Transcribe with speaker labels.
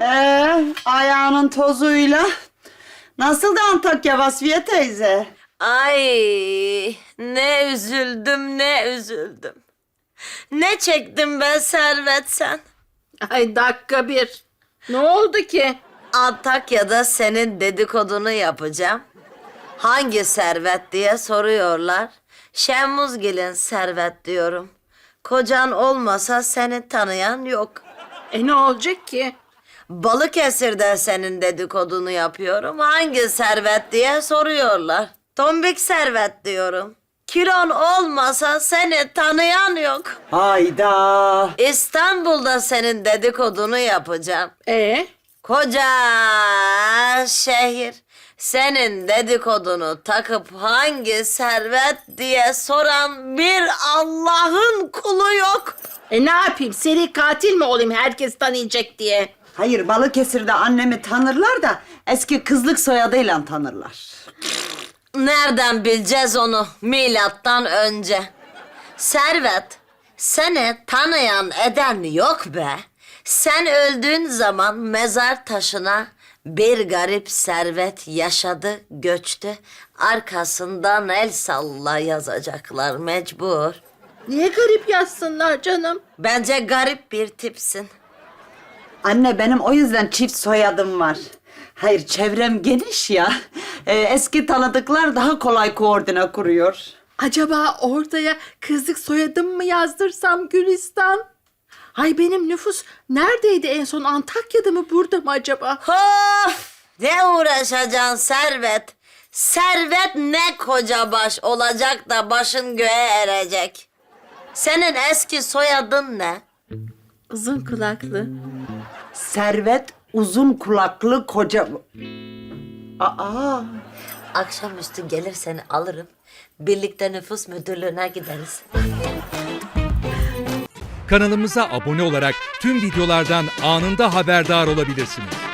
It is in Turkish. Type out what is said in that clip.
Speaker 1: Ayağının tozuyla. Nasıl da Antakya Vasfiye teyze?
Speaker 2: Ay ne üzüldüm ne üzüldüm. Ne çektim ben Servet sen?
Speaker 3: Ay dakika bir. Ne oldu ki?
Speaker 2: Antakya'da senin dedikodunu yapacağım. Hangi Servet diye soruyorlar. Şemmuzgil'in Servet diyorum. Kocan olmasa seni tanıyan yok.
Speaker 3: Ne olacak ki?
Speaker 2: Balıkesir'de senin dedikodunu yapıyorum. Hangi Servet diye soruyorlar. Tombik Servet diyorum. Kilon olmasa seni tanıyan yok.
Speaker 1: Hayda.
Speaker 2: İstanbul'da senin dedikodunu yapacağım. Koca şehir senin dedikodunu takıp hangi Servet diye soran bir Allah'ın kulu yok.
Speaker 3: Ne yapayım? Seri katil mi olayım herkes tanıyacak diye?
Speaker 1: Hayır, Balıkesir'de annemi tanırlar da eski kızlık soyadıyla tanırlar.
Speaker 2: Nereden bileceğiz onu milattan önce? Servet, seni tanıyan eden yok be. Sen öldüğün zaman mezar taşına bir garip servet yaşadı, göçtü. Arkasından el salla yazacaklar mecbur.
Speaker 3: Niye garip yazsınlar canım?
Speaker 2: Bence garip bir tipsin.
Speaker 1: Anne, benim o yüzden çift soyadım var. Hayır, çevrem geniş ya. Eski tanıdıklar daha kolay koordine kuruyor.
Speaker 3: Acaba oraya kızlık soyadım mı yazdırsam Gülistan? Ay benim nüfus neredeydi en son? Antakya'da mı burada mı acaba?
Speaker 2: Of! Ne uğraşacaksın Servet? Servet ne koca baş olacak da başın göğe erecek. Senin eski soyadın ne?
Speaker 3: Uzun kulaklı.
Speaker 1: Servet uzun kulaklı koca... Aa!
Speaker 2: Akşamüstü gelir seni alırım. Birlikte nüfus müdürlüğüne gideriz.
Speaker 4: Kanalımıza abone olarak tüm videolardan anında haberdar olabilirsiniz.